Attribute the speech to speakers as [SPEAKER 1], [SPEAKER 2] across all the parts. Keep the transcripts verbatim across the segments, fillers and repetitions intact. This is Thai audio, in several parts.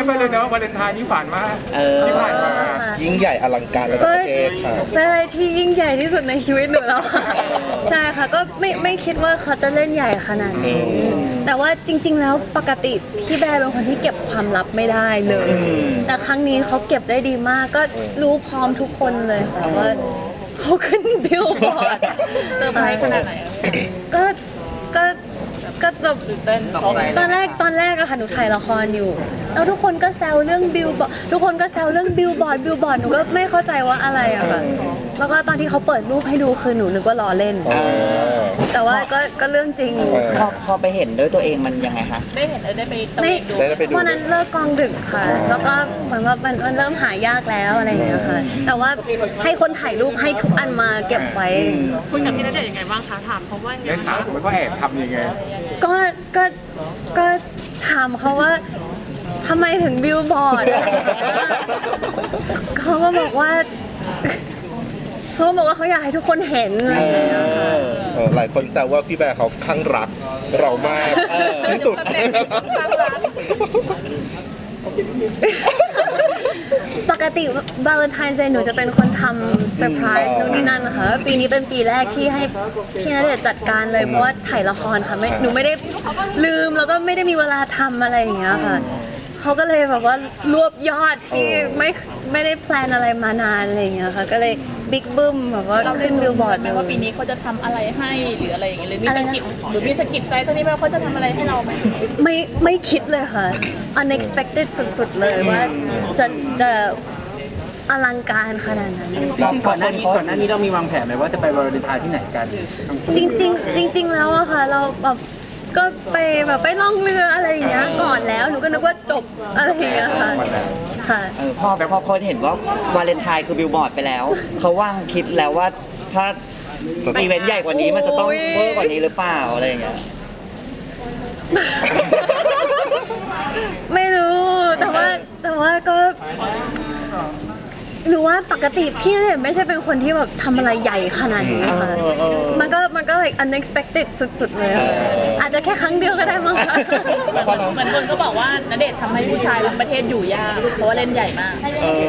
[SPEAKER 1] ไปเลยเนาะวาเลนไทน์นี่ผ่านมาที่ผ่านมา
[SPEAKER 2] ยิ่งใหญ่อลังการระดับประเทศค่ะ
[SPEAKER 3] เป็นอะไรที่ยิ่งใหญ่ที่สุดในชีวิตหนูแล้วค่ะใช่ค่ะก็ไม่ไม่คิดว่าเขาจะเล่นใหญ่ขนาดนี้แต่ว่าจริงๆแล้วปกติพี่แบร์เป็นคนที่เก็บความลับไม่ได้เลยแต่ครั้งนี้เขาเก็บได้ดีมากก็รู้พร้อมทุกคนเลยค่ะว่าเขาขึ้นบิลบอร์ด
[SPEAKER 4] เซอร์ไพรส์ขนาดไหน
[SPEAKER 3] ก็ก็ก็แบบ
[SPEAKER 4] ตื่นเต้นตกใจ
[SPEAKER 3] ตอนแรกตอนแรกอะค่ะหนูถ่ายละครอยู่แล้วทุกคนก็แซวเรื่องบิลบอร์ดทุกคนก็แซวเรื่องบิลบอร์ดบิลบอร์ดหนูก็ไม่เข้าใจว่าอะไรอะค่ะแล้วก็ตอนที่เขาเปิดรูปให้ดูคือหนูนึกว่าล้อเล่นแต่ว่าก็ก็เรื่องจริง
[SPEAKER 5] พอพอไปเห็นด้วยตัวเองมันยังไงคะ
[SPEAKER 4] ได้เห็นได้ไปตะ
[SPEAKER 3] เวนดูวันนั้นเลิกกองดึกค่ะแล้วก็เหมือนว่ามันมันเริ่มหายากแล้วอะไรอย่างเงี้ยค่ะแต่ว่าให้คนถ่ายรูปให้ทุกอันมาเก็บไว้
[SPEAKER 4] คุยกับพี่ณเดชน์ยังไงบ้างคะถามเขาว่ายังไง
[SPEAKER 1] ถามว่าก็แอบทำยังไง
[SPEAKER 3] ก็ก็ก็ถามเขาว่าทำไมถึงบิลบอร์ดเขาก็บอกว่าเขาบอกว่าเขาอยากให้ทุกคนเห็นอะไรอย่างเงี้ยค่ะ
[SPEAKER 2] หลายคนแซวว่าพี่แบร์เขาคลั่งรักเรามากที่สุด
[SPEAKER 3] ปกติวาเลนไทน์เดย์หนูจะเป็นคนทำเซอร์ไพรส์นู่นนี่นั่นนะคะปีนี้เป็นปีแรกที่ให้พี่ณเดชน์จัดการเลยเพราะว่าถ่ายละครค่ะไม่หนูไม่ได้ลืมแล้วก็ไม่ได้มีเวลาทำอะไรอย่างเงี้ยค่ะเขาก็เลยแบบว่ารวบยอดที่ไม่ไม่ได้แพลนอะไรมานานอะไรอย่างเงี้ยค่ะก็เลยบิ๊กบึ้มแบบว่าขึ้นบิลบอร์ด
[SPEAKER 4] ไหมว่าปีนี้เขาจะทำอะไรให้หรืออะไรอย่างเงี้ยหรือมีสกิปหรือมีสกิปใจสักนิดไหมว่าเขาจะทำอะไรให้เราไหม
[SPEAKER 3] ไม่ไม่คิดเลยค่ะ unexpected สุดๆเลยว่าจะจะอลังการขนาดนั้น
[SPEAKER 6] ก่อนหน้านี้ก่อนหน้านี้เรามีวางแผนไหมว่าจะไปวาเลนไทน์ที่ไหนกัน
[SPEAKER 3] จริงๆจริงๆแล้วอะค่ะเราแบบก็ไปแบบไปล่องเรืออะไรอย่างเงี้ยก่อนแล้วหนูก็นึกว่าจบอะไรอย่างเงี้ยค่ะค่ะ
[SPEAKER 5] พอพอคนเห็นว่าวาเลนไทน์คือบิลบอร์ดไปแล้วเขาว่างคิดแล้วว่าถ้าอีเวนต์ใหญ่กว่านี้มันจะต้องเวอร์กว่านี้หรือเปล่าอะไรอย่างเงี้ย
[SPEAKER 3] ไม่รู้แต่ว่าแต่ว่าก็หรือว่าปกติพี่เนี่ยไม่ใช่เป็นคนที่แบบทำอะไรใหญ่ขนาดนี้ค่ะมันก็มันก็ like unexpected สุดๆเลยอาจจะแค่ครั้งเดียวก็ได้มั้งค่ะ
[SPEAKER 4] เหมือนคนก็บอกว่าณเดชน์ทำให้ผู้ชายทั้งประเทศอยู่ยากเพราะว่าเล่นใหญ่มาก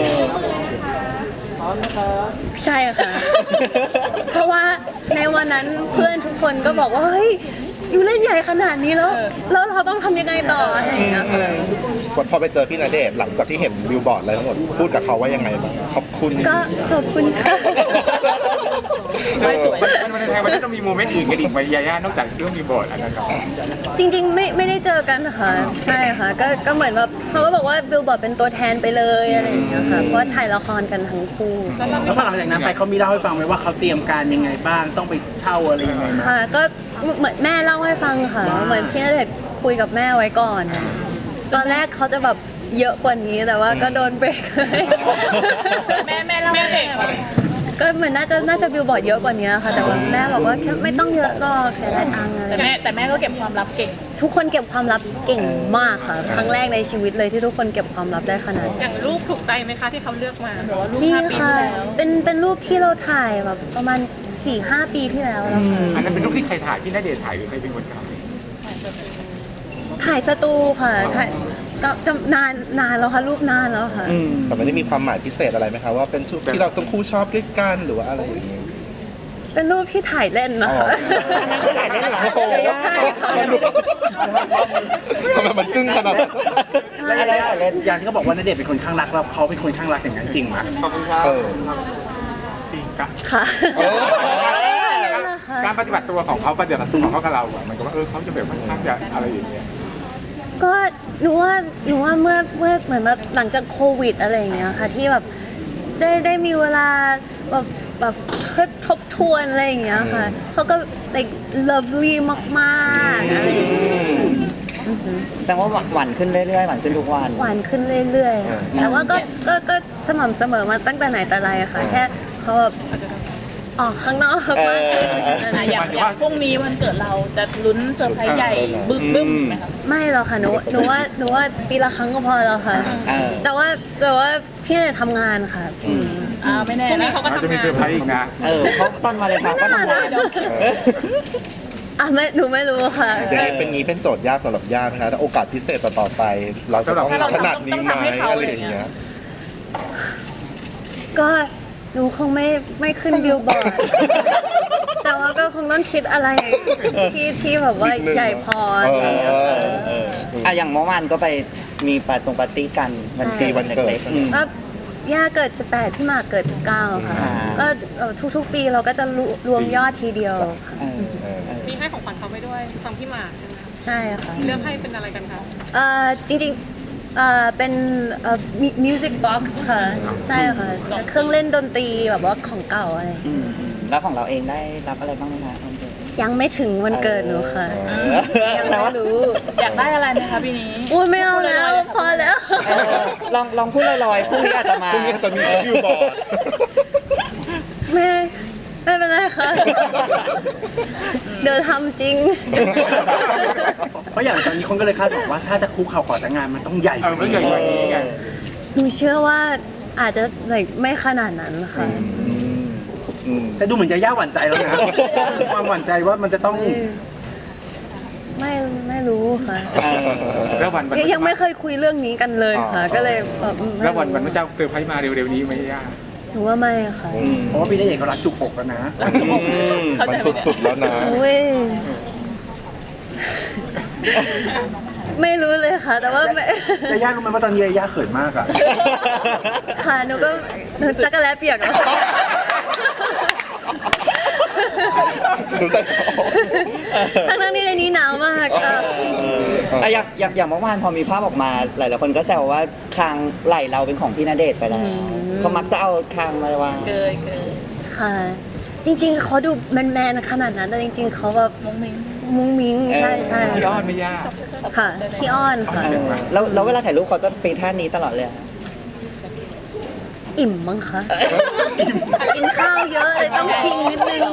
[SPEAKER 3] ใช่ค่ะ เพราะว่าในวันนั้นเพื่อนทุกคนก็บอกว่าเฮ้ยอยู่เล่นใหญ่ขนาดนี้แล้วแล้วเราต้องทำยังไงต่ออะไรอย่างเงี้ย
[SPEAKER 2] พอไปเจอพี่ณเดชน์หลังจากที่เห็นบิลบอร์ดอะไรทั้งหมดพูดกับเขาว่ายังไงบ้างขอบคุณ
[SPEAKER 3] ก็ขอบคุณค่ะ
[SPEAKER 4] ไม่สวย
[SPEAKER 1] วันไทยวันนี้ต้องมีโมเมนต์อื่นกันอีกไหมยาย่านอกจากเรื่องบิลบอร์ดอันนั้น
[SPEAKER 3] จริงๆไม่ไม่ได้เจอกันค่ะใช่ค่ะก็ก็เหมือนแบบเขาก็บอกว่าบิลบอร์ดเป็นตัวแทนไปเลยอะไรอย่างเงี้ยค่ะเพราะถ่ายละครกันทั้งคู่
[SPEAKER 6] แล้วพอหลังจากนั้นไปเขามีเล่าให้ฟังไหมว่าเขาเตรียมการยังไงบ้างต้องไปเช่าอะไรยังไง
[SPEAKER 3] ค่ะก็เหมือนแม่เล่าให้ฟังค่ะเหมือนพี่ณเดชน์คุยกับแม่ไว้ก่อนตอนแรกเขาจะแบบเยอะกว่านี้แต่ว่าก็โดนเบรก
[SPEAKER 4] แม่แม่เล่าแม่เบรก
[SPEAKER 3] ก็เหมือนน่าจะน่าจะบิลบอร์ดเยอะกว่านี้ค่ะแต่ว่าแม่บอกว่าไม่ต้องเยอะหรอกเสียดายตังค์
[SPEAKER 4] แต่แม่แต่แม่ก็เก็บความลับเก่ง
[SPEAKER 3] ทุกคนเก็บความลับเก่งมากค่ะครั้งแรกในชีวิตเลยที่ทุกคนเก็บความลับได้ขนาด
[SPEAKER 4] อย่างรูปถูกใจไหมคะที่เขาเลือกมาหรือว่ารูป
[SPEAKER 3] นี่
[SPEAKER 4] ห้าปีที่
[SPEAKER 3] แล้วเป็นเป็นรูปที่เราถ่ายแบบประมาณ สี่ห้า ปีที่แล้วแล้วค่ะ
[SPEAKER 1] อันนั้นเป็นรูปที่ใครถ่ายพี่ณเดชน์ถ่ายหรือใครเป็นคนถ่าย
[SPEAKER 3] ถ่ายสตูค่ะถ่ายก็จะนานนานแล้วค่ะรูปนานแล้วค่ะ
[SPEAKER 2] แต่ไม่ได้มีความหมายพิเศษอะไรไหมคะว่าเป็นชุดที่เราต้องคู่ชอบด้วยกันหรือว่าอะไรอย่างเงี้ย
[SPEAKER 3] เป็นรูปที่ถ่ายเล่นนะคะ
[SPEAKER 5] ถ่ายเล่นเหรอ
[SPEAKER 3] ใช่ค่ะ
[SPEAKER 2] ทำไมมันจึ้งขนาดนั้น
[SPEAKER 6] อะไรอะไรอย่างที่เขาบอกว่าณเดชน์เป็นคนข้างรักแล้วเขาเป็นคนข้างรักอย่างนั้นจริงไหม
[SPEAKER 1] ขอบคุณครับจริง
[SPEAKER 3] ค่ะ
[SPEAKER 1] การปฏิบัติตัวของเขาปฏิบัติตัวของเขากับเราเหมือนกับว่าเออเขาจะแบบค่อนข้างจะอะไรอย่างเงี้ย
[SPEAKER 3] ก็หนูว่าหนูว่าเมื่อเมื่อเหมือนแบบหลังจากโควิดอะไรอย่างเงี้ยค่ะที่แบบได้ได้มีเวลาแบบแบบทบทวนอะไรอย่างเงี้ยค่ะเขาก็ like lovely มากๆอะไรอย่างเงี้ย
[SPEAKER 5] แสดงว่าหวานขึ้นเรื่อยๆหวานขึ้นทุกวัน
[SPEAKER 3] หวานขึ้นเรื่อยๆแต่ว่าก็ก็ก็สม่ำเสมอมาตั้งแต่ไหนแต่ไรอะค่ะแค่เขาแบบออกข้างนอกมากขึ้น
[SPEAKER 4] อย่างอย่างพรุ่งนี้วันเกิดเราจะลุ้นเซอร์ไพรส์ใหญ่บึ้มบึ้มไหมครับ
[SPEAKER 3] ไม่หรอกค่ะหนูหนูว่าหนูว่าปีละครั้งก็พอแล้วค่ะแต่ว่าแต่ว่าพี่เนี่ยทำงานค่ะ
[SPEAKER 4] อ่าไม่แน่นะเขาก็ทำงาน
[SPEAKER 1] จะมีเซอร์ไพรส์อีกนะ
[SPEAKER 5] เออเขาตอนมาเลยค่ะก็ทำงาน
[SPEAKER 3] อ่ะไม่หนูไม่รู้ค่ะ
[SPEAKER 2] อย่างนี้เป็นงี้เป็นโจทย์ยากสำหรับย่าไหมคะถ้าโอกาสพิเศษต่อๆไป เราจะต้องขนาดนี้ไหมอะไรอย่างเงี้ย
[SPEAKER 3] ก็หนูคงไม่ไม่ขึ้นบิลบอร์ด แต่ว่าก็คงต้องคิดอะไรที่ที่แบบว่าใหญ่พออะไรอย่างเงี้ยค่ะ
[SPEAKER 5] อ่ะอย่างเมื่อวานก็ไปมีปาร์ตรงปาร์ตี้กันวัน
[SPEAKER 3] ใช่
[SPEAKER 5] ตีวันเล็กๆอืม
[SPEAKER 3] ก็ย่าเกิดสิบแปดพี่หมากเกิดสิบเก้าค่ะ
[SPEAKER 5] อ่า
[SPEAKER 3] ก็เอ่อทุกๆปีเราก็จะรวมยอดทีเดียวค่ะ
[SPEAKER 5] เออ
[SPEAKER 2] เออ
[SPEAKER 4] มีให้ของขวัญเขาไปด้วยฟังพี่หมากใช่ไหมคะ
[SPEAKER 3] ใช่ค่ะ
[SPEAKER 4] เลือกให้เป็นอะไรกันคะ
[SPEAKER 3] เอ่อจริงๆเอ่อเป็นเอ่อมิวสิกบ็อกซ์ค่ะ ใช่ค่ะเครื่องเล่นดนตรีแบบว่าของเก่าอะไร
[SPEAKER 5] อืมแล้วของเราเองได้รับอะไรบ้างไหมคะวันเกิด
[SPEAKER 3] ยังไม่ถึงวันเกิดหนูค่ะ
[SPEAKER 5] เออ
[SPEAKER 3] ยังไม่รู้
[SPEAKER 4] อยากได้อะไรไหมคะปีนี้
[SPEAKER 3] อุ้ยไม่เอาแล้ว พอแล้ว
[SPEAKER 5] เออลองลองพูดลอยๆพรุ่งนี้อาจจะมา
[SPEAKER 2] พรุ่งนี้จะมีบิลบอร์ด
[SPEAKER 3] ไม่ไม่เป็นไรค่ะ เดี๋ยวทำจริง
[SPEAKER 6] เพราะอย่างตอนนี้คนก็เลยคาดหวังว่าถ้าจะคุกเข่าขอแต่งงานมันต้องใหญ่
[SPEAKER 1] เออไม่ใหญ่กว่านี้ไง
[SPEAKER 3] หนูเชื่อว่าอาจจะ like ไม่ขนาดนั้นค่ะ
[SPEAKER 2] อืม
[SPEAKER 6] แต่ดูเหมือนจะย่าหวั่นใจแล้วนะความหวั่นใจว่ามันจะต้อง
[SPEAKER 3] ไม่ไม่รู้ค่ะ
[SPEAKER 5] เออ
[SPEAKER 1] แล้ววันวัน
[SPEAKER 3] ยังยังไม่เคยคุยเรื่องนี้กันเลยค่ะ ก็เลยแบบอืมไม่
[SPEAKER 1] แล้ววัน
[SPEAKER 3] รู้
[SPEAKER 1] วันพระเจ้าเซอร์ไพรส์มาเร็วๆนี้ไหมย่า
[SPEAKER 3] หนูว่าไม่ค่ะ
[SPEAKER 6] เพราะว่าพี่ณเดชน์เขารักจุกอกแล้วนะ
[SPEAKER 5] อืม
[SPEAKER 2] มันสุดๆแล้วนะ
[SPEAKER 3] อุ้ยไม่รู้เลยค่ะ แต่ว่าไม่
[SPEAKER 6] แต่ย่ารู้ไหมว่าตอนนี้ย่าเขินมากอ่ะ
[SPEAKER 3] ค่ะหนูก็หนูจักรแล้เปียกแล้ว
[SPEAKER 2] ดูใส่
[SPEAKER 3] ทั้งนั้นที่ในนี้หนาวมากค่ะ
[SPEAKER 5] อ่ะอย่างอย่างอย่างเมื่อวานพอมีภาพออกมาหลายๆคนก็แซวว่าคางไหลเราเป็นของพี่ณเดชน์ไปแล้วเขามักจะเอาคางมาวาง
[SPEAKER 4] เกยเกย
[SPEAKER 3] ค่ะ จริงๆเขาดูแมนๆขนาดนั้นแต่จริง ๆเขาแบบ
[SPEAKER 4] มุ้งมิ้ง
[SPEAKER 3] มุ้งมิ้งใช่ใช่
[SPEAKER 1] พี่อ้อนไหม่ย่า
[SPEAKER 3] ค่ะขี้อ้อนค่ะ
[SPEAKER 5] เออแล้วแล้วเวลาถ่ายรูปเขาจะเป็นท่านี้ตลอดเลยเหรอ
[SPEAKER 3] อิ่มมั้งคะกินข้าวเยอะเลยต้องพิงนิดนึง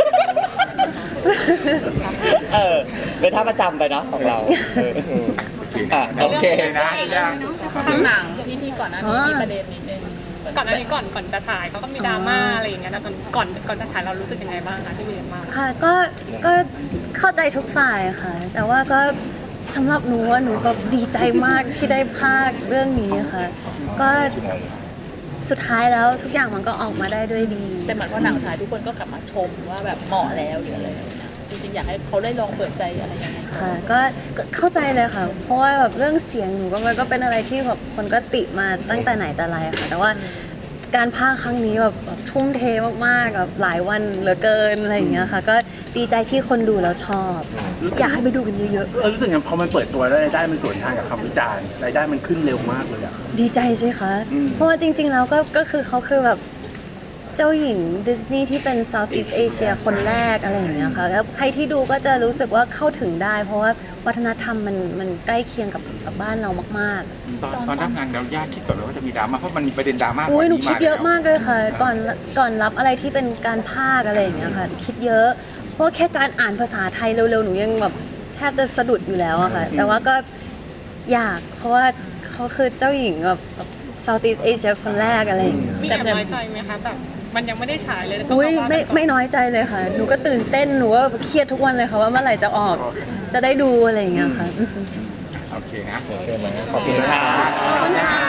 [SPEAKER 5] เออเป็นท่าประจำไปเนาะของเราเอออ่ะโอเค
[SPEAKER 1] นะย่า
[SPEAKER 4] ทางหนังที่ที่ก่อนหน้านี้มีประเด็นนิดนึงก่อนหน้านี้ก่อนก่อนจะฉายเขาก็มีดราม่าอะไรอย่างเงี้ยแล้วตอนก่อนก่อนจะฉายเรารู้สึกยังไงบ้างคะที่เรียนมา
[SPEAKER 3] ค่ะก็ก็เข้าใจทุกฝ่ายค่ะ แต่ว่าก็สำหรับหนูว่าหนูก็ดีใจมากที่ได้ภาคเรื่องนี้ค่ะ ก็สุดท้ายแล้วทุกอย่างมันก็ออกมาได้ด้วยดี
[SPEAKER 4] แต่เหมือนว่าหนังฉายทุกคนก็กลับมาชมว่าแบบเหมาะแล้วหรืออะไรอย่างเงี้ยจริงๆอยากให้เขาได้ลองเปิดใจอะไรอย่างเงี้ย
[SPEAKER 3] ค่ะก็ก็เข้าใจเลยค่ะ เพราะว่าแบบเรื่องเสียงหนูก็มันก็เป็นอะไรที่แบบคนก็ติมาตั้งแต่ไหนแต่ไรค่ะ แต่ว่าการพากย์ครั้งนี้แบบแบบทุ่มเทมากๆแบบหลายวันเหลือเกินอะไรอย่างเงี้ยค่ะ ก็ดีใจที่คนดูแล้วชอบ อยากให้ไปดูกันเยอะ
[SPEAKER 6] เออรู้สึกอย่างพอมันเปิดตัวแล้วรายได้มันสวนทางกับคำวิจารณ์รายได้มันขึ้นเร็วมากเลยอ่ะ
[SPEAKER 3] ๆ ดีใจสิคะ เพราะว่าจริง ๆ แล้วก็ก็คือเขาคือแบบเจ้าหญิงดิสนีย์ที่เป็น Southeast Asia คนแรกอะไรอย่างเงี้ยค่ะแล้วใครที่ดูก็จะรู้สึกว่าเข้าถึงได้ เพราะว่าวัฒนธรรมมันมันใกล้เคียงกับกับบ้านเรามากๆ
[SPEAKER 1] ตอนตอนรับงานเราย่าคิดก่อนเลยว่าจะมีดราม่าเพราะมันมีประเด็นดราม่า
[SPEAKER 3] อุ้ยหนูคิดเยอะ
[SPEAKER 1] แล้ว
[SPEAKER 3] มากเลยค่ะ ก่อนก่อนรับอะไรที่เป็นการพากย์อะไรอย่างเงี้ยค่ะ คิดเยอะ เพราะว่าแค่การอ่านภาษาไทยเร็วๆ หนูยังแบบแทบจะสะดุดอยู่แล้วอะค่ะ แต่ว่าก็อยาก เพราะว่าเขาคือเจ้าหญิงแบบ Southeast Asia คนแรกอะไรอย่างเงี้ย
[SPEAKER 4] มีแอบน้อยใจไหมคะแบบมันยังไม่ได้ฉายเลยแล้วก็
[SPEAKER 3] อุ้ย
[SPEAKER 4] มาว่า
[SPEAKER 3] ไม่
[SPEAKER 4] กันต่อ
[SPEAKER 3] ไม่น้อยใจเลยค่ะ หนูก็ตื่นเต้น หนูก็เครียดทุกวันเลยค่ะว่าเมื่อไหร่จะออก จะได้ดูอะไรอย่างเงี้ยค่ะ
[SPEAKER 1] โอเคนะ
[SPEAKER 2] โอเคไหมขอบคุณนะ
[SPEAKER 5] ค่ะ
[SPEAKER 3] ขอบคุณค่ะ